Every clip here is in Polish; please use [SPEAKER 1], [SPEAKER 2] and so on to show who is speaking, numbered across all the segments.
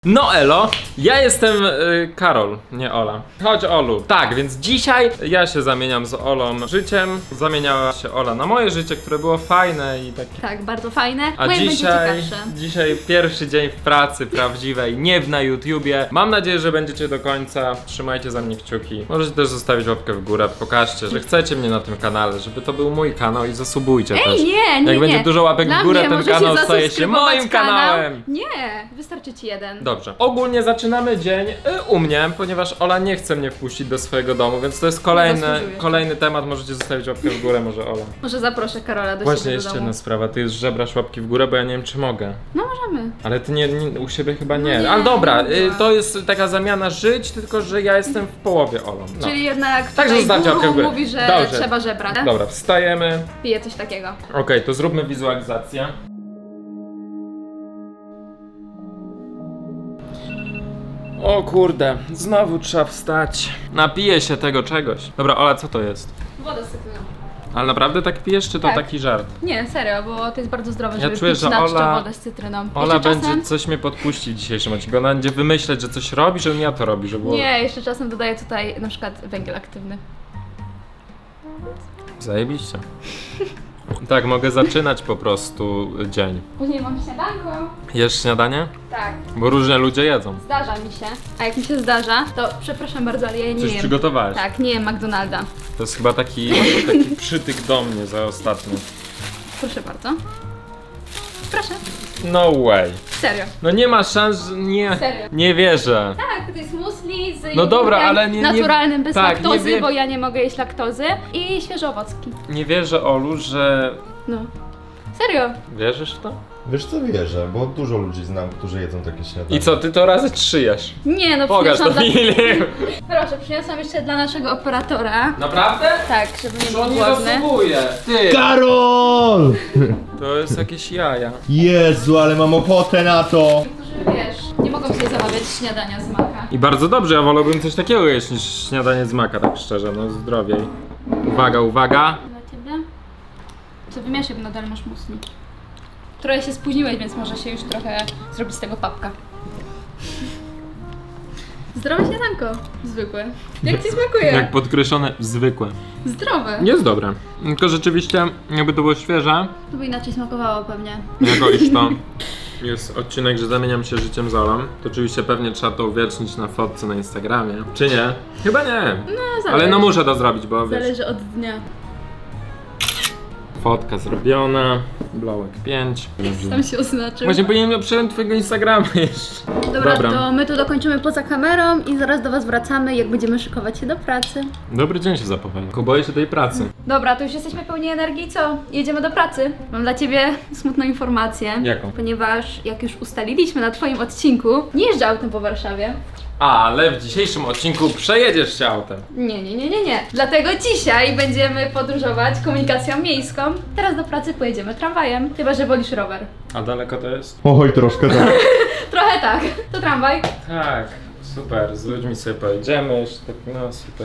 [SPEAKER 1] No elo, ja jestem Karol, nie Ola. Chodź Olu. Tak, więc dzisiaj ja się zamieniam z Olą życiem. Zamieniała się Ola na moje życie, które było fajne i takie.
[SPEAKER 2] Tak, bardzo fajne.
[SPEAKER 1] A
[SPEAKER 2] Moje będzie ciekawsze.
[SPEAKER 1] dzisiaj pierwszy dzień w pracy prawdziwej, nie na YouTubie. Mam nadzieję, że będziecie do końca. Trzymajcie za mnie kciuki. Możecie też zostawić łapkę w górę, pokażcie, że chcecie mnie na tym kanale, żeby to był mój kanał i zasubujcie też.
[SPEAKER 2] Ej, nie.
[SPEAKER 1] Jak będzie dużo łapek
[SPEAKER 2] Dla
[SPEAKER 1] w górę,
[SPEAKER 2] mnie
[SPEAKER 1] ten
[SPEAKER 2] możecie
[SPEAKER 1] kanał staje się
[SPEAKER 2] zasubskrybować
[SPEAKER 1] moim
[SPEAKER 2] kanał.
[SPEAKER 1] kanałem.
[SPEAKER 2] Nie, wystarczy ci jeden.
[SPEAKER 1] Dobrze. Ogólnie zaczynamy dzień u mnie, ponieważ Ola nie chce mnie wpuścić do swojego domu, więc to jest kolejny temat. Możecie zostawić łapkę w górę, może Ola.
[SPEAKER 2] Może zaproszę Karola do
[SPEAKER 1] Właśnie
[SPEAKER 2] siebie do
[SPEAKER 1] jeszcze
[SPEAKER 2] domu.
[SPEAKER 1] jedna sprawa, ty już żebrasz łapki w górę, bo ja nie wiem czy mogę.
[SPEAKER 2] No możemy.
[SPEAKER 1] Ale ty nie u siebie chyba nie.
[SPEAKER 2] nie,
[SPEAKER 1] Ale dobra,
[SPEAKER 2] nie mogę.
[SPEAKER 1] to jest taka zamiana żyć, tylko że ja jestem w połowie Olą. No.
[SPEAKER 2] Czyli jednak
[SPEAKER 1] Także
[SPEAKER 2] tutaj
[SPEAKER 1] zostawcie łapkę w
[SPEAKER 2] guru
[SPEAKER 1] górę.
[SPEAKER 2] mówi, że
[SPEAKER 1] Dobrze.
[SPEAKER 2] trzeba żebrać.
[SPEAKER 1] Dobra, wstajemy.
[SPEAKER 2] Piję coś takiego.
[SPEAKER 1] Okej, to zróbmy wizualizację. O kurde, znowu trzeba wstać. Napiję się tego czegoś. Dobra, Ola, co to jest?
[SPEAKER 2] Woda z cytryną.
[SPEAKER 1] Ale naprawdę tak pijesz, czy to
[SPEAKER 2] Tak.
[SPEAKER 1] taki żart?
[SPEAKER 2] Nie, serio, bo to jest bardzo zdrowe,
[SPEAKER 1] Ja
[SPEAKER 2] żeby
[SPEAKER 1] czuję,
[SPEAKER 2] pić
[SPEAKER 1] że
[SPEAKER 2] na czczo
[SPEAKER 1] Ola-
[SPEAKER 2] wodę z cytryną.
[SPEAKER 1] Ola
[SPEAKER 2] Jeszcze
[SPEAKER 1] będzie
[SPEAKER 2] czasem...
[SPEAKER 1] coś mnie podpuścić w dzisiejszym odcinku. Ona będzie wymyśleć, że coś robi, żebym ja to robił, żeby było...
[SPEAKER 2] Nie, jeszcze czasem dodaję tutaj na przykład węgiel aktywny.
[SPEAKER 1] Zajebiście. Tak, mogę zaczynać po prostu dzień.
[SPEAKER 2] Później mam śniadanko.
[SPEAKER 1] Jesz śniadanie?
[SPEAKER 2] Tak,
[SPEAKER 1] Bo różne ludzie jedzą.
[SPEAKER 2] zdarza mi się. A jak mi się zdarza, to przepraszam bardzo, ale ja nie
[SPEAKER 1] Coś
[SPEAKER 2] jem.
[SPEAKER 1] przygotowałeś.
[SPEAKER 2] Tak, nie jem McDonalda.
[SPEAKER 1] To jest chyba taki przytyk do mnie za ostatnio.
[SPEAKER 2] Proszę bardzo. Proszę.
[SPEAKER 1] No way.
[SPEAKER 2] Serio.
[SPEAKER 1] No nie ma szans, że nie.
[SPEAKER 2] Serio.
[SPEAKER 1] Nie wierzę.
[SPEAKER 2] Tak, to jest muesli z
[SPEAKER 1] No dobra,
[SPEAKER 2] jogurtem
[SPEAKER 1] ale nie-
[SPEAKER 2] naturalnym, bez
[SPEAKER 1] tak, nie
[SPEAKER 2] laktozy,
[SPEAKER 1] wie-
[SPEAKER 2] bo ja nie mogę jeść laktozy i świeże owocki.
[SPEAKER 1] Nie wierzę, Olu, że...
[SPEAKER 2] No. Serio.
[SPEAKER 1] Wierzysz w to?
[SPEAKER 3] Wiesz co, wierzę, bo dużo ludzi znam, którzy jedzą takie śniadanie.
[SPEAKER 1] I co, ty to razy 3 jesz?
[SPEAKER 2] Nie no,
[SPEAKER 1] Pokaż to
[SPEAKER 2] przyniosłam
[SPEAKER 1] film.
[SPEAKER 2] Proszę, przyniosłam jeszcze dla naszego operatora.
[SPEAKER 1] Naprawdę?
[SPEAKER 2] Tak, żeby nie
[SPEAKER 1] To
[SPEAKER 2] był
[SPEAKER 1] on nie
[SPEAKER 2] głodny.
[SPEAKER 1] zasługuje. Ty,
[SPEAKER 3] Karol!
[SPEAKER 1] to jest jakieś jaja.
[SPEAKER 3] Jezu, ale mam ochotę na to!
[SPEAKER 2] Którzy, wiesz, nie mogą sobie zamawiać śniadania z maka.
[SPEAKER 1] I bardzo dobrze, ja wolałbym coś takiego jeść niż śniadanie z maka, tak szczerze, no zdrowiej. Uwaga, uwaga.
[SPEAKER 2] Dla ciebie? Co wymieszaj, bo nadal masz muesli. Trochę się spóźniłeś, więc może się już trochę zrobić z tego papka. Zdrowe śniadanko. Zwykłe. Jak ci smakuje?
[SPEAKER 1] Jak podkreślone, zwykłe.
[SPEAKER 2] Zdrowe.
[SPEAKER 1] Jest dobre. Tylko rzeczywiście, jakby to było świeże,
[SPEAKER 2] To by inaczej smakowało pewnie.
[SPEAKER 1] jako iż to jest odcinek, że zamieniam się życiem z Olą, to oczywiście pewnie trzeba to uwiecznić na fotce na Instagramie. Czy nie? Chyba nie.
[SPEAKER 2] No, zależy.
[SPEAKER 1] Ale no muszę to zrobić, bo wiesz,
[SPEAKER 2] Zależy od dnia.
[SPEAKER 1] fotka zrobiona, blołek 5.
[SPEAKER 2] Tam się oznaczył.
[SPEAKER 1] Właśnie powinienem przejąć twojego Instagrama jeszcze.
[SPEAKER 2] Dobra, to my tu dokończymy poza kamerą i zaraz do was wracamy, jak będziemy szykować się do pracy.
[SPEAKER 1] Dobry dzień się zapowiada. Boję się tej pracy.
[SPEAKER 2] Dobra, to już jesteśmy pełni energii, co? Jedziemy do pracy. Mam dla ciebie smutną informację.
[SPEAKER 1] Jaką?
[SPEAKER 2] Ponieważ, jak już ustaliliśmy na twoim odcinku, nie jeżdżę autem po Warszawie.
[SPEAKER 1] Ale w dzisiejszym odcinku przejedziesz się autem.
[SPEAKER 2] Nie. Dlatego dzisiaj będziemy podróżować komunikacją miejską. Teraz do pracy pojedziemy tramwajem, chyba że wolisz rower.
[SPEAKER 1] A daleko to jest?
[SPEAKER 3] Oj, troszkę tak.
[SPEAKER 2] Trochę tak. To tramwaj.
[SPEAKER 1] Tak, super, z ludźmi sobie pojedziemy, jeszcze tak, no super.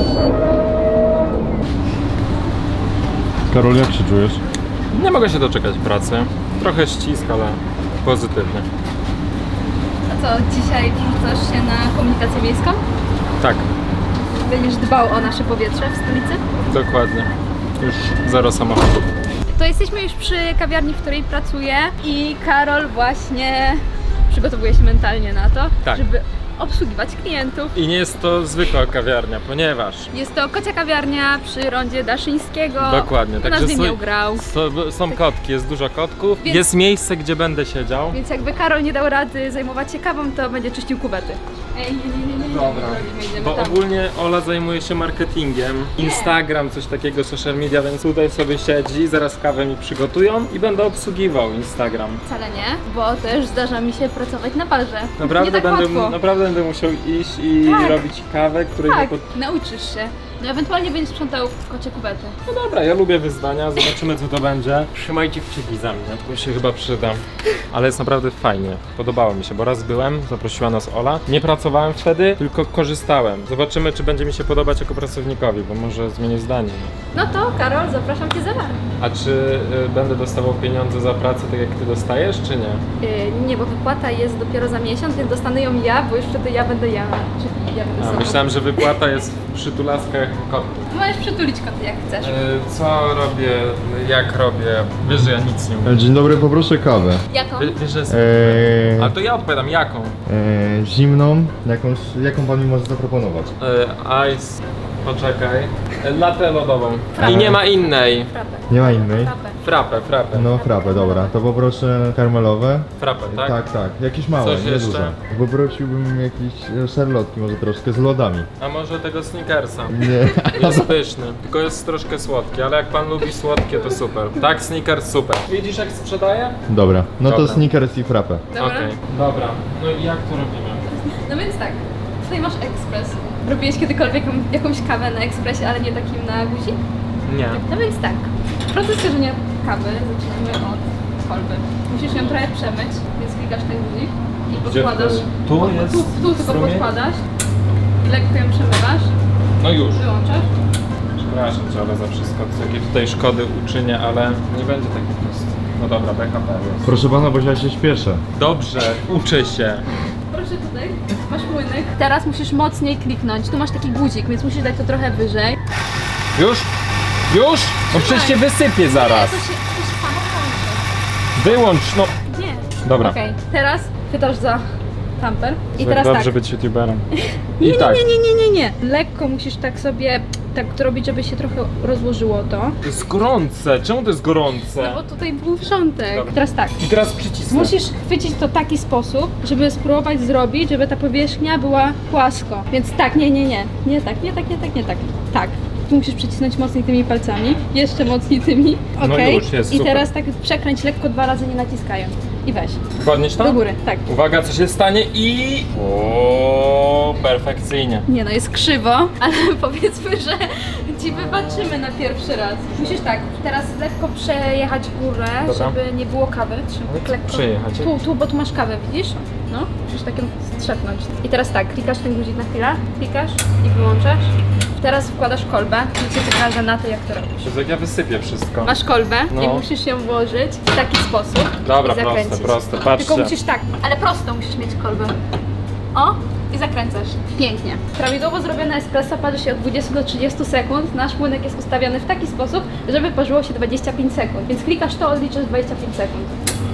[SPEAKER 3] Karol, jak się czujesz?
[SPEAKER 1] Nie mogę się doczekać pracy. Trochę ścisk, ale pozytywnie.
[SPEAKER 2] A co, dzisiaj wrzucasz się na komunikację miejską?
[SPEAKER 1] Tak,
[SPEAKER 2] Będziesz dbał o nasze powietrze w stolicy?
[SPEAKER 1] dokładnie. Już zero samochodów.
[SPEAKER 2] To jesteśmy już przy kawiarni, w której pracuję i Karol właśnie przygotowuje się mentalnie na to,
[SPEAKER 1] Tak.
[SPEAKER 2] żeby obsługiwać klientów.
[SPEAKER 1] I nie jest to zwykła kawiarnia, ponieważ...
[SPEAKER 2] Jest to kocia kawiarnia przy rondzie Daszyńskiego.
[SPEAKER 1] Dokładnie,
[SPEAKER 2] U nas
[SPEAKER 1] także
[SPEAKER 2] nie grał.
[SPEAKER 1] są kotki, jest dużo kotków.
[SPEAKER 2] Więc-
[SPEAKER 1] Jest miejsce, gdzie będę siedział.
[SPEAKER 2] Więc jakby Karol nie dał rady zajmować się kawą, to będzie czyścił kuwety. Ej, nie.
[SPEAKER 1] Dobra,
[SPEAKER 2] Idziemy
[SPEAKER 1] bo
[SPEAKER 2] tam.
[SPEAKER 1] ogólnie Ola zajmuje się marketingiem, Instagram, coś takiego, social media, więc tutaj sobie siedzi, zaraz kawę mi przygotują i będę obsługiwał Instagram.
[SPEAKER 2] Wcale nie, bo też zdarza mi się pracować na barze.
[SPEAKER 1] Naprawdę,
[SPEAKER 2] nie tak łatwo.
[SPEAKER 1] naprawdę będę musiał iść i
[SPEAKER 2] Tak.
[SPEAKER 1] robić kawę, której
[SPEAKER 2] Tak,
[SPEAKER 1] nie
[SPEAKER 2] nauczysz się. No ewentualnie będziesz sprzątał kocie kuwety.
[SPEAKER 1] No dobra, ja lubię wyzwania, zobaczymy co to będzie. Trzymajcie kciuki za mnie, to się chyba przyda. Ale jest naprawdę fajnie, podobało mi się, bo raz byłem, zaprosiła nas Ola. Nie pracowałem wtedy, tylko korzystałem. Zobaczymy, czy będzie mi się podobać jako pracownikowi, bo może zmienię zdanie.
[SPEAKER 2] No to Karol, zapraszam cię za bar.
[SPEAKER 1] A czy będę dostawał pieniądze za pracę tak jak ty dostajesz, czy nie?
[SPEAKER 2] Nie, bo wypłata jest dopiero za miesiąc, więc dostanę ją ja, bo już wtedy ja będę ja. Czyli ja będę
[SPEAKER 1] A,
[SPEAKER 2] sobą.
[SPEAKER 1] myślałem, że wypłata jest w przytulaskach kotów.
[SPEAKER 2] Możesz przytulić koty jak chcesz.
[SPEAKER 1] Co robię, jak robię? Wiesz, że ja nic nie umiem.
[SPEAKER 3] Dzień dobry, poproszę kawę.
[SPEAKER 2] Jaką?
[SPEAKER 1] Wiesz, że jest...
[SPEAKER 3] Eee,
[SPEAKER 1] Ale to ja odpowiadam, jaką?
[SPEAKER 3] Zimną, jaką pan mi może zaproponować?
[SPEAKER 1] Ice... Poczekaj. Latę lodową.
[SPEAKER 2] Frappę.
[SPEAKER 1] I nie ma innej.
[SPEAKER 2] Frappę.
[SPEAKER 3] Nie ma innej?
[SPEAKER 2] Frappę.
[SPEAKER 1] Frappę.
[SPEAKER 3] No frappę, dobra. To poproszę karmelowe.
[SPEAKER 1] Frappę, tak?
[SPEAKER 3] Tak. Jakieś małe,
[SPEAKER 1] Coś
[SPEAKER 3] nie
[SPEAKER 1] jeszcze?
[SPEAKER 3] duże. Poprosiłbym jakieś szarlotki, może troszkę z lodami.
[SPEAKER 1] A może tego Snickersa?
[SPEAKER 3] Nie.
[SPEAKER 1] Jest pyszny, tylko jest troszkę słodki, ale jak pan lubi słodkie, to super. Tak, Snickers super. Widzisz jak sprzedaję?
[SPEAKER 3] Dobra, no to
[SPEAKER 1] Dobra.
[SPEAKER 3] Snickers i frappę.
[SPEAKER 2] Dobra.
[SPEAKER 1] Okej. Dobra. No i jak to robimy?
[SPEAKER 2] No więc tak, tutaj masz ekspres. Robiłeś kiedykolwiek jakąś kawę na ekspresie, ale nie takim na guzik?
[SPEAKER 1] Nie.
[SPEAKER 2] No więc tak, proces korzenia kawy zaczynamy od kolby. Musisz ją trochę przemyć, więc klikasz ten guzik i podkładasz.
[SPEAKER 1] Tu jest
[SPEAKER 2] Tu tylko
[SPEAKER 1] strumień?
[SPEAKER 2] podkładasz, lekko ją przemywasz,
[SPEAKER 1] No już.
[SPEAKER 2] wyłączasz.
[SPEAKER 1] Przepraszam cię, ale za wszystko, jakie tutaj szkody uczynię, ale nie będzie takie proste. No dobra, BHP jest.
[SPEAKER 3] Proszę pana, bo ja się śpieszę.
[SPEAKER 1] Dobrze, uczę się.
[SPEAKER 2] Proszę tutaj, masz młynek. Teraz musisz mocniej kliknąć. Tu masz taki guzik, więc musisz dać to trochę wyżej.
[SPEAKER 1] Już? Już? No przecież się wysypie zaraz.
[SPEAKER 2] To się samo kończy.
[SPEAKER 1] Wyłącz, no.
[SPEAKER 2] Nie.
[SPEAKER 1] Dobra.
[SPEAKER 2] Okej, teraz chwytasz za tamper i
[SPEAKER 1] Tak
[SPEAKER 2] teraz
[SPEAKER 1] dobrze
[SPEAKER 2] tak.
[SPEAKER 1] być youtuberem.
[SPEAKER 2] Nie,
[SPEAKER 1] I tak.
[SPEAKER 2] nie. Lekko musisz tak sobie tak to robić, żeby się trochę rozłożyło to.
[SPEAKER 1] To jest gorące. Czemu to jest gorące?
[SPEAKER 2] No bo tutaj był wrzątek.
[SPEAKER 1] Dobra.
[SPEAKER 2] Teraz tak.
[SPEAKER 1] I teraz przycisnę.
[SPEAKER 2] Musisz chwycić to w taki sposób, żeby spróbować zrobić, żeby ta powierzchnia była płasko. Więc tak, nie. Nie tak. Tak. Tu musisz przycisnąć mocniej tymi palcami. Jeszcze mocniej tymi.
[SPEAKER 1] No
[SPEAKER 2] Okej.
[SPEAKER 1] już jest,
[SPEAKER 2] I
[SPEAKER 1] super.
[SPEAKER 2] teraz tak przekręć lekko 2 razy, nie naciskając. I weź.
[SPEAKER 1] Podnieś to?
[SPEAKER 2] Do góry, tak.
[SPEAKER 1] Uwaga, co się stanie i... O, perfekcyjnie.
[SPEAKER 2] Nie no, jest krzywo, ale powiedzmy, że ci wybaczymy na pierwszy raz. Musisz tak, teraz lekko przejechać górę,
[SPEAKER 1] Dobra.
[SPEAKER 2] żeby nie było kawy. Trzymaj lekko.
[SPEAKER 1] Przejechać?
[SPEAKER 2] Tu, bo tu masz kawę, widzisz? No, musisz tak ją strzepnąć. I teraz tak, klikasz ten guzik na chwilę, klikasz i wyłączasz. Teraz wkładasz kolbę i cię pokażę na to, jak to robisz.
[SPEAKER 1] Jezu, jak ja wysypię wszystko.
[SPEAKER 2] Masz kolbę
[SPEAKER 1] No.
[SPEAKER 2] i musisz ją włożyć w taki sposób
[SPEAKER 1] Dobra,
[SPEAKER 2] i zakręcić.
[SPEAKER 1] proste, patrzcie.
[SPEAKER 2] Tylko musisz tak, ale prosto musisz mieć kolbę. O! I zakręcasz. Pięknie. Prawidłowo zrobione espresso parzy się od 20 do 30 sekund. Nasz młynek jest ustawiony w taki sposób, żeby parzyło się 25 sekund. Więc klikasz to, odliczasz 25 sekund.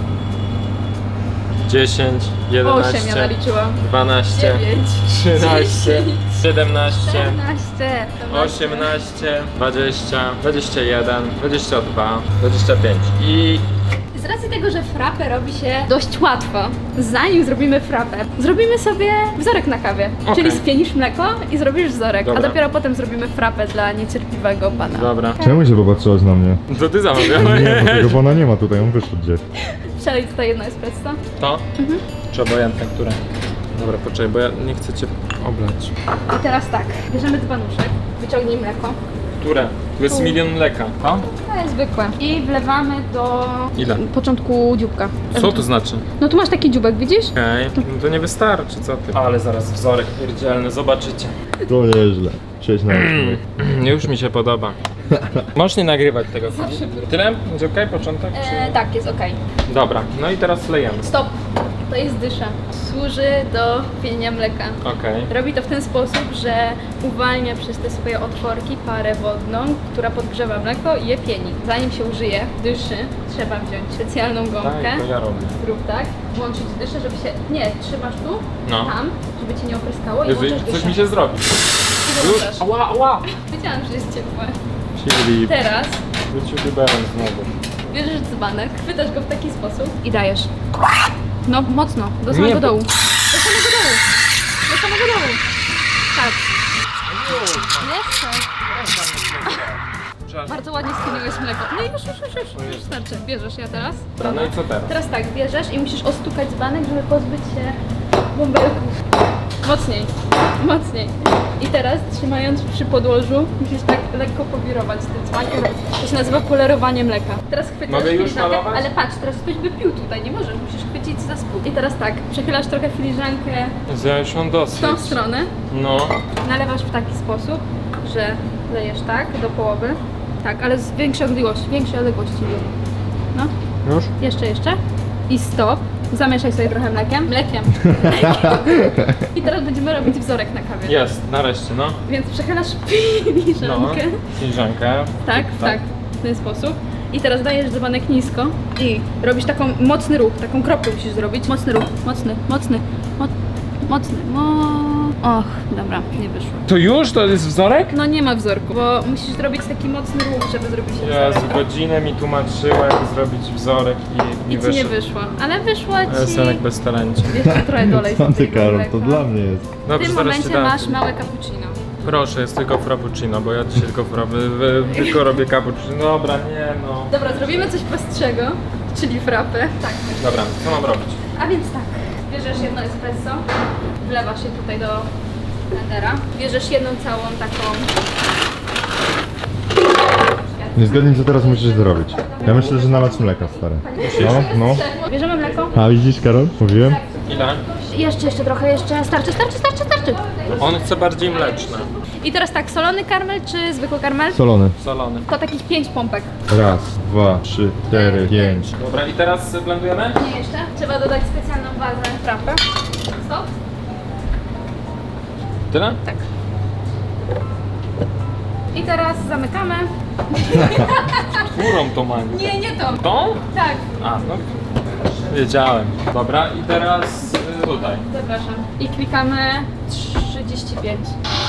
[SPEAKER 1] 10, 11,
[SPEAKER 2] 8 ja naliczyłam.
[SPEAKER 1] 12,
[SPEAKER 2] 9,
[SPEAKER 1] 13, 17,
[SPEAKER 2] 14,
[SPEAKER 1] 18, 20, 21, 22, 25 i...
[SPEAKER 2] Z racji tego, że frappę robi się dość łatwo, zanim zrobimy frappę, zrobimy sobie wzorek na kawie.
[SPEAKER 1] Okej.
[SPEAKER 2] Czyli spienisz mleko i zrobisz wzorek,
[SPEAKER 1] Dobra.
[SPEAKER 2] a dopiero potem zrobimy frappę dla niecierpliwego pana.
[SPEAKER 1] Dobra.
[SPEAKER 3] Czemu się popatrzyłaś na mnie?
[SPEAKER 1] To ty
[SPEAKER 3] Nie, bo
[SPEAKER 1] zamawiałeś.
[SPEAKER 3] tego pana nie ma tutaj, on wyszedł gdzieś.
[SPEAKER 2] Przelej tutaj jedno espresso.
[SPEAKER 1] To? Czy obojętne, które? Dobra, poczekaj, bo ja nie chcę cię oblać.
[SPEAKER 2] I teraz tak, bierzemy dzbanuszek, wyciągnij mleko.
[SPEAKER 1] Które? Tu jest
[SPEAKER 2] Tu.
[SPEAKER 1] milion mleka. To?
[SPEAKER 2] To jest zwykłe. I wlewamy do
[SPEAKER 1] Ile?
[SPEAKER 2] początku dzióbka.
[SPEAKER 1] Co to znaczy?
[SPEAKER 2] No tu masz taki dzióbek, widzisz?
[SPEAKER 1] Okej, no to nie wystarczy, co ty? Ale zaraz wzorek pierdzielny, zobaczycie.
[SPEAKER 3] To nieźle. Cześć na
[SPEAKER 1] Już mi się podoba. Możesz nie nagrywać tego. Tyle? Będzie okej, początek? Czy...
[SPEAKER 2] Tak, jest okej.
[SPEAKER 1] Dobra, no i teraz lejemy.
[SPEAKER 2] Stop. To jest dysza. Służy do pienienia mleka.
[SPEAKER 1] Okej.
[SPEAKER 2] Robi to w ten sposób, że uwalnia przez te swoje otworki parę wodną, która podgrzewa mleko i je pieni. Zanim się użyje dyszy, trzeba wziąć specjalną gąbkę.
[SPEAKER 1] Tak, to ja robię.
[SPEAKER 2] Zrób tak, włączyć dyszę, żeby się... Nie, trzymasz tu,
[SPEAKER 1] No.
[SPEAKER 2] tam, żeby cię nie opryskało i
[SPEAKER 1] Jezu,
[SPEAKER 2] włączasz
[SPEAKER 1] coś
[SPEAKER 2] dyszę.
[SPEAKER 1] mi się zrobi.
[SPEAKER 2] I
[SPEAKER 1] Już?
[SPEAKER 2] włączasz.
[SPEAKER 1] Ała, ała!
[SPEAKER 2] Wiedziałam, że jest ciepłe.
[SPEAKER 1] Filip,
[SPEAKER 2] Teraz
[SPEAKER 1] być youtuberem znowu.
[SPEAKER 2] bierzesz dzbanek, chwytasz go w taki sposób i dajesz. No, mocno, do samego
[SPEAKER 1] Nie,
[SPEAKER 2] dołu. Do samego dołu. Do samego dołu. Tak. Jeszcze.
[SPEAKER 1] Przepraszam.
[SPEAKER 2] Bardzo ładnie skiniłeś mleko. No i już. Starczy. Bierzesz ja teraz.
[SPEAKER 1] Dobra, no i co teraz?
[SPEAKER 2] Teraz tak, bierzesz i musisz ostukać dzbanek, żeby pozbyć się bąbelków. Mocniej. Mocniej. I teraz trzymając przy podłożu, musisz tak lekko powirować tym dzwonkiem. To się nazywa polerowanie mleka. Teraz chwytasz
[SPEAKER 1] Mogę już
[SPEAKER 2] filiżankę,
[SPEAKER 1] malować?
[SPEAKER 2] ale patrz, teraz ktoś by pił tutaj, nie możesz, musisz chwycić za spód. I teraz tak, przechylasz trochę filiżankę
[SPEAKER 1] Ja już mam
[SPEAKER 2] w
[SPEAKER 1] dosyć.
[SPEAKER 2] tą stronę,
[SPEAKER 1] No.
[SPEAKER 2] nalewasz w taki sposób, że lejesz tak do połowy. Tak, ale z większej odległości. No,
[SPEAKER 1] Już?
[SPEAKER 2] jeszcze. I stop. Zamieszaj sobie trochę mlekiem. I teraz będziemy robić wzorek na kawie.
[SPEAKER 1] Jest, nareszcie, no.
[SPEAKER 2] Więc przechylasz
[SPEAKER 1] No.
[SPEAKER 2] filiżankę.
[SPEAKER 1] Filiżankę.
[SPEAKER 2] Tak, w ten sposób. I teraz dajesz dzbanek nisko i robisz taką mocny ruch, taką kropkę musisz zrobić. Mocny ruch, mocny. Och, dobra, nie wyszło.
[SPEAKER 1] To już? To jest wzorek?
[SPEAKER 2] No nie ma wzorku, bo musisz zrobić taki mocny ruch, żeby zrobić się
[SPEAKER 1] Jezu,
[SPEAKER 2] wzorek.
[SPEAKER 1] godzinę mi tłumaczyła, jak zrobić wzorek i
[SPEAKER 2] I ci nie wyszło, ale wyszło ci...
[SPEAKER 1] Synek bez talencie.
[SPEAKER 2] Jeszcze trochę dolej
[SPEAKER 3] Co ty,
[SPEAKER 2] tego
[SPEAKER 3] Karol,
[SPEAKER 2] mleka.
[SPEAKER 3] to dla mnie jest.
[SPEAKER 2] W
[SPEAKER 1] Dobrze,
[SPEAKER 2] tym
[SPEAKER 1] zaraz ci
[SPEAKER 2] momencie
[SPEAKER 1] dam.
[SPEAKER 2] masz małe cappuccino.
[SPEAKER 1] Proszę, jest tylko frappuccino, bo ja dzisiaj tylko robię cappuccino. Dobra, nie no.
[SPEAKER 2] Dobra, zrobimy coś prostszego, czyli frappę. Tak.
[SPEAKER 1] Dobra, co mam robić?
[SPEAKER 2] A więc tak, bierzesz jedno espresso, wlewasz je tutaj do blendera, bierzesz jedną całą taką...
[SPEAKER 3] Nie zgadnij, co teraz musisz zrobić. Ja myślę, że nalać mleka, stary. No.
[SPEAKER 2] Bierzemy mleko.
[SPEAKER 3] A widzisz, Karol? Mówiłem?
[SPEAKER 1] Ile?
[SPEAKER 2] Jeszcze trochę, starczy.
[SPEAKER 1] On chce bardziej mleczne.
[SPEAKER 2] I teraz tak, solony karmel czy zwykły karmel?
[SPEAKER 3] Solony.
[SPEAKER 1] Solony.
[SPEAKER 2] To takich 5 pompek.
[SPEAKER 3] Raz, 2, 3, 4, 5.
[SPEAKER 1] Dobra, i teraz blendujemy?
[SPEAKER 2] Nie jeszcze. Trzeba dodać specjalną bazę frappę. Stop.
[SPEAKER 1] Tyle?
[SPEAKER 2] Tak. I teraz zamykamy.
[SPEAKER 1] Którą to mango?
[SPEAKER 2] Nie to.
[SPEAKER 1] Tą?
[SPEAKER 2] Tak,
[SPEAKER 1] A, no. Wiedziałem. Dobra, i teraz tutaj.
[SPEAKER 2] zapraszam. I klikamy 35.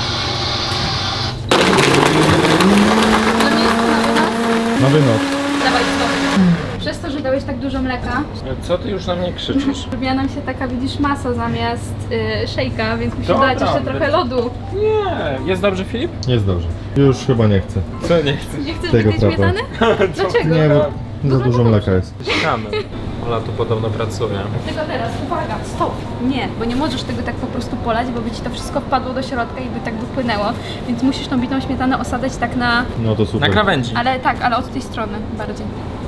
[SPEAKER 3] Na wynos.
[SPEAKER 2] Dawaj stop. Przez to, że dałeś tak dużo mleka,
[SPEAKER 1] Co ty już na mnie krzyczysz?
[SPEAKER 2] robiła nam się taka, widzisz, masa zamiast szejka, więc musisz
[SPEAKER 1] Dobra,
[SPEAKER 2] dać jeszcze trochę lodu.
[SPEAKER 1] Nie. Jest dobrze, Filip?
[SPEAKER 3] Jest dobrze. Już chyba nie chcę.
[SPEAKER 1] Co nie chcesz?
[SPEAKER 2] Nie chcesz
[SPEAKER 3] Tego
[SPEAKER 2] tej
[SPEAKER 3] frappa.
[SPEAKER 2] śmietany? Dlaczego?
[SPEAKER 3] Nie, bo za dużo mleka jest.
[SPEAKER 1] Czekamy. Ola tu podobno pracuje.
[SPEAKER 2] Tylko teraz, uwaga, stop! Nie, bo nie możesz tego tak po prostu polać, bo by ci to wszystko wpadło do środka i by tak wypłynęło. Więc musisz tą bitą śmietanę osadzać tak na...
[SPEAKER 3] No to super.
[SPEAKER 1] Na krawędzi.
[SPEAKER 2] Ale od tej strony bardziej.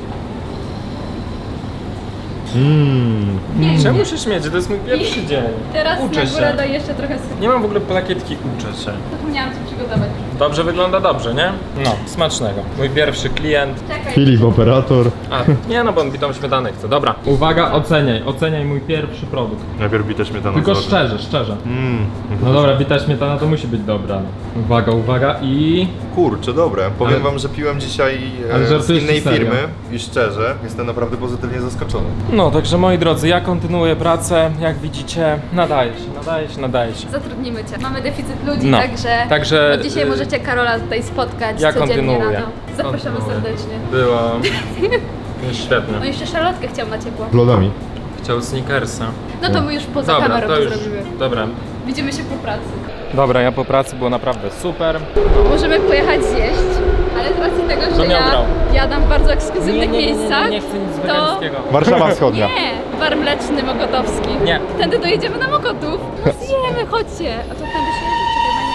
[SPEAKER 1] Czemu się śmiecie? To jest mój pierwszy dzień.
[SPEAKER 2] Teraz
[SPEAKER 1] Uczę
[SPEAKER 2] na górę
[SPEAKER 1] się.
[SPEAKER 2] daj jeszcze trochę sypu.
[SPEAKER 1] Nie mam w ogóle plakietki, uczę się.
[SPEAKER 2] Zapomniałam ci przygotować.
[SPEAKER 1] Dobrze wygląda, dobrze, nie? No, smacznego. Mój pierwszy klient.
[SPEAKER 2] Czekaj.
[SPEAKER 3] Filip, operator.
[SPEAKER 1] A, nie no, bo on bitą śmietanę chce. Dobra. Uwaga, oceniaj mój pierwszy produkt.
[SPEAKER 3] Najpierw bita śmietana.
[SPEAKER 1] Tylko szczerze. No dobra, bita śmietana to musi być dobra. Uwaga i...
[SPEAKER 3] Kurczę, dobre. Powiem
[SPEAKER 1] Ale-
[SPEAKER 3] wam, że piłem dzisiaj
[SPEAKER 1] Ale
[SPEAKER 3] z
[SPEAKER 1] żartujesz
[SPEAKER 3] innej
[SPEAKER 1] czy serio?
[SPEAKER 3] firmy i szczerze, jestem naprawdę pozytywnie zaskoczony.
[SPEAKER 1] No, także moi drodzy, ja kontynuuję pracę. Jak widzicie, nadaje się.
[SPEAKER 2] Zatrudnimy cię. Mamy deficyt ludzi,
[SPEAKER 1] No,
[SPEAKER 2] także od dzisiaj
[SPEAKER 1] y,
[SPEAKER 2] możecie Karola tutaj spotkać
[SPEAKER 1] Ja
[SPEAKER 2] codziennie
[SPEAKER 1] kontynuuję.
[SPEAKER 2] rano. Zapraszamy
[SPEAKER 1] Kontynuuję.
[SPEAKER 2] serdecznie.
[SPEAKER 1] Było świetnie.
[SPEAKER 2] No i jeszcze szalotkę chciał na ciepło.
[SPEAKER 3] Z lodami.
[SPEAKER 1] Chciał Snickersa.
[SPEAKER 2] No to my już poza
[SPEAKER 1] Dobra,
[SPEAKER 2] kamerą
[SPEAKER 1] to
[SPEAKER 2] to
[SPEAKER 1] już.
[SPEAKER 2] zrobimy.
[SPEAKER 1] Dobra.
[SPEAKER 2] Widzimy się po pracy.
[SPEAKER 1] Dobra, ja po pracy było naprawdę super.
[SPEAKER 2] Możemy pojechać zjeść, ale z racji tego,
[SPEAKER 1] To
[SPEAKER 2] że
[SPEAKER 1] miał brał.
[SPEAKER 2] jadam w bardzo ekskluzywnych miejscach,
[SPEAKER 1] nie chcę nic
[SPEAKER 2] to...
[SPEAKER 1] wegańskiego.
[SPEAKER 3] Warszawa Wschodnia.
[SPEAKER 2] Nie, bar mleczny Mokotowski.
[SPEAKER 1] Nie.
[SPEAKER 2] Tędy dojedziemy na Mokotów. No zjemy, chodźcie. A to tędy się jedzie, czekaj, na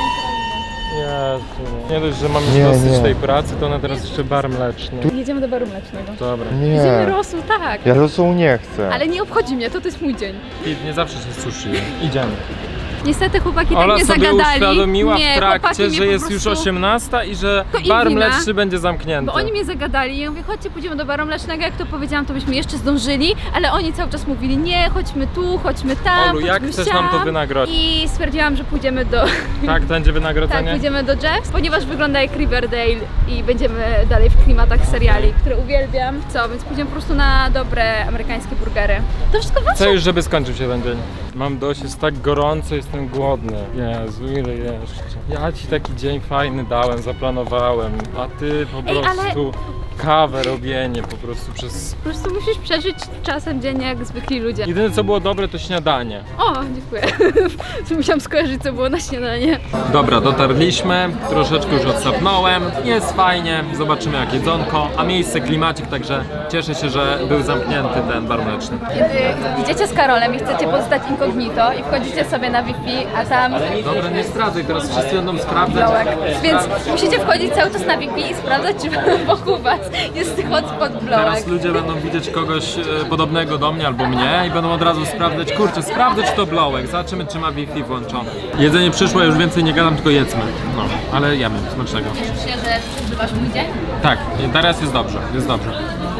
[SPEAKER 1] Jezu. Nie dość, że mam już
[SPEAKER 3] Nie,
[SPEAKER 1] dosyć
[SPEAKER 3] nie.
[SPEAKER 1] tej pracy, to na teraz jeszcze bar mleczny.
[SPEAKER 2] Jedziemy do baru mlecznego.
[SPEAKER 1] Dobra.
[SPEAKER 2] Jedziemy
[SPEAKER 3] Nie.
[SPEAKER 2] rosół, tak.
[SPEAKER 3] Ja rosół nie chcę.
[SPEAKER 2] Ale nie obchodzi mnie, to jest mój dzień.
[SPEAKER 1] Filip, nie zawsze się sushi. Idziemy.
[SPEAKER 2] Niestety chłopaki tak
[SPEAKER 1] Ola
[SPEAKER 2] mnie
[SPEAKER 1] sobie
[SPEAKER 2] zagadali.
[SPEAKER 1] uświadomiła
[SPEAKER 2] Nie,
[SPEAKER 1] w
[SPEAKER 2] chłopaki
[SPEAKER 1] trakcie,
[SPEAKER 2] mnie
[SPEAKER 1] że
[SPEAKER 2] po
[SPEAKER 1] jest już
[SPEAKER 2] prostu-
[SPEAKER 1] 18 i że
[SPEAKER 2] To im
[SPEAKER 1] bar
[SPEAKER 2] wina.
[SPEAKER 1] mleczny będzie zamknięty.
[SPEAKER 2] Bo oni mnie zagadali i ja mówię, chodźcie, pójdziemy do baru mlecznego, jak to powiedziałam, to byśmy jeszcze zdążyli, ale oni cały czas mówili, nie, chodźmy tu, chodźmy tam,
[SPEAKER 1] Olu, jak
[SPEAKER 2] chodźmy
[SPEAKER 1] chcesz nam to
[SPEAKER 2] siam.
[SPEAKER 1] wynagrodzić?
[SPEAKER 2] I stwierdziłam, że pójdziemy do...
[SPEAKER 1] Tak, będzie
[SPEAKER 2] Tak,
[SPEAKER 1] wynagrodzenie?
[SPEAKER 2] pójdziemy do Jeffs, ponieważ wygląda jak Riverdale i będziemy dalej w klimatach seriali, które uwielbiam. Co, więc pójdziemy po prostu na dobre amerykańskie burgery. To wszystko wasze.
[SPEAKER 1] Chcę już, żeby skończył się ten dzień. Mam dość, jest tak gorąco, jestem głodny. Jezu, ile jeszcze? Ja ci taki dzień fajny dałem, zaplanowałem, a ty po
[SPEAKER 2] Ej, ale-
[SPEAKER 1] prostu kawę robienie po prostu przez...
[SPEAKER 2] Po prostu musisz przeżyć czasem dzień jak zwykli ludzie.
[SPEAKER 1] Jedyne co było dobre to śniadanie.
[SPEAKER 2] O, dziękuję. Musiałam skojarzyć, co było na śniadanie.
[SPEAKER 1] Dobra, dotarliśmy, troszeczkę już odsapnąłem, jest fajnie, zobaczymy jak jedzonko, a miejsce klimacik, także cieszę się, że był zamknięty ten bar mleczny.
[SPEAKER 2] Kiedy idziecie z Karolem i chcecie pozostać inkognito, incognito i wchodzicie sobie na Wi-Fi, a tam
[SPEAKER 1] Dobra, nie zdradzaj, teraz wszyscy będą sprawdzać.
[SPEAKER 2] blołek. Więc musicie wchodzić cały czas na Wi-Fi i sprawdzać, czy wokół was jest hotspot blołek.
[SPEAKER 1] Teraz ludzie będą widzieć kogoś podobnego do mnie albo mnie i będą od razu sprawdzać, kurczę, sprawdzę czy to blołek, zobaczymy czy ma Wi-Fi włączone. Jedzenie przyszło, już więcej nie gadam, tylko jedzmy. No, ale jemy, smacznego.
[SPEAKER 2] Cieszysz się, że przeżywasz mój dzień?
[SPEAKER 1] Tak, teraz jest dobrze, jest dobrze.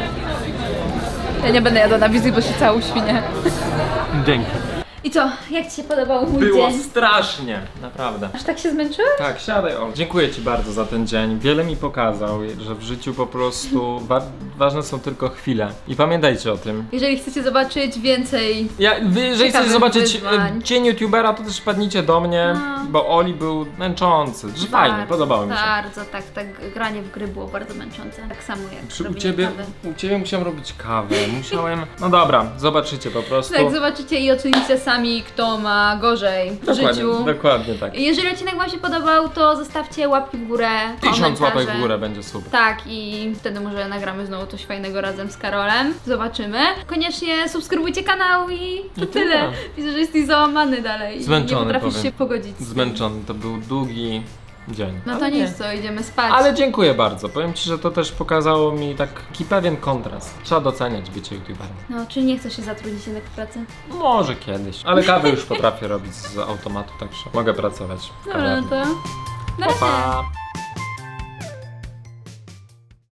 [SPEAKER 2] Ja nie będę jadła na wizji, bo się cała uświnię.
[SPEAKER 1] Dzięki.
[SPEAKER 2] I co, jak ci się podobał mój
[SPEAKER 1] Było
[SPEAKER 2] dzień?
[SPEAKER 1] strasznie, naprawdę.
[SPEAKER 2] Aż tak się zmęczyłeś?
[SPEAKER 1] Tak, siadaj Ol. Dziękuję Ci bardzo za ten dzień. Wiele mi pokazał, że w życiu po prostu ważne są tylko chwile. I pamiętajcie o tym.
[SPEAKER 2] Jeżeli chcecie zobaczyć więcej...
[SPEAKER 1] Jeżeli chcecie
[SPEAKER 2] Ciekawych
[SPEAKER 1] zobaczyć
[SPEAKER 2] wyzwań.
[SPEAKER 1] dzień youtubera, to też wpadnijcie do mnie,
[SPEAKER 2] No.
[SPEAKER 1] bo Oli był męczący. Że fajnie, podobało mi się.
[SPEAKER 2] Bardzo, tak granie w gry było bardzo męczące. Tak samo jak
[SPEAKER 1] U
[SPEAKER 2] robienie
[SPEAKER 1] ciebie,
[SPEAKER 2] kawy.
[SPEAKER 1] u ciebie musiałem robić kawę, musiałem... No dobra, zobaczycie po prostu.
[SPEAKER 2] Tak, zobaczycie i ocenicie sami, kto ma gorzej w życiu.
[SPEAKER 1] Dokładnie tak.
[SPEAKER 2] Jeżeli odcinek wam się podobał, to zostawcie łapki w górę,
[SPEAKER 1] 1000 łapek
[SPEAKER 2] komentarze.
[SPEAKER 1] w górę będzie super.
[SPEAKER 2] Tak, i wtedy może nagramy znowu coś fajnego razem z Karolem. Zobaczymy. Koniecznie subskrybujcie kanał i to tyle.
[SPEAKER 1] tyle.
[SPEAKER 2] Widzę, że jesteś załamany dalej.
[SPEAKER 1] Zmęczony,
[SPEAKER 2] Nie potrafisz
[SPEAKER 1] powiem.
[SPEAKER 2] się pogodzić. z tym.
[SPEAKER 1] Zmęczony, to był długi dzień.
[SPEAKER 2] No to
[SPEAKER 1] Ale nie.
[SPEAKER 2] nic, co, idziemy spać.
[SPEAKER 1] Ale dziękuję bardzo. Powiem Ci, że to też pokazało mi taki pewien kontrast. Trzeba doceniać bycie youtuberem.
[SPEAKER 2] No, czyli nie chcesz się zatrudnić jednak w pracy?
[SPEAKER 1] Może kiedyś. Ale kawę już potrafię robić z automatu, także mogę pracować w
[SPEAKER 2] Dobra,
[SPEAKER 1] kawiarni.
[SPEAKER 2] no to... Na
[SPEAKER 1] Pa,
[SPEAKER 2] razie.
[SPEAKER 1] pa.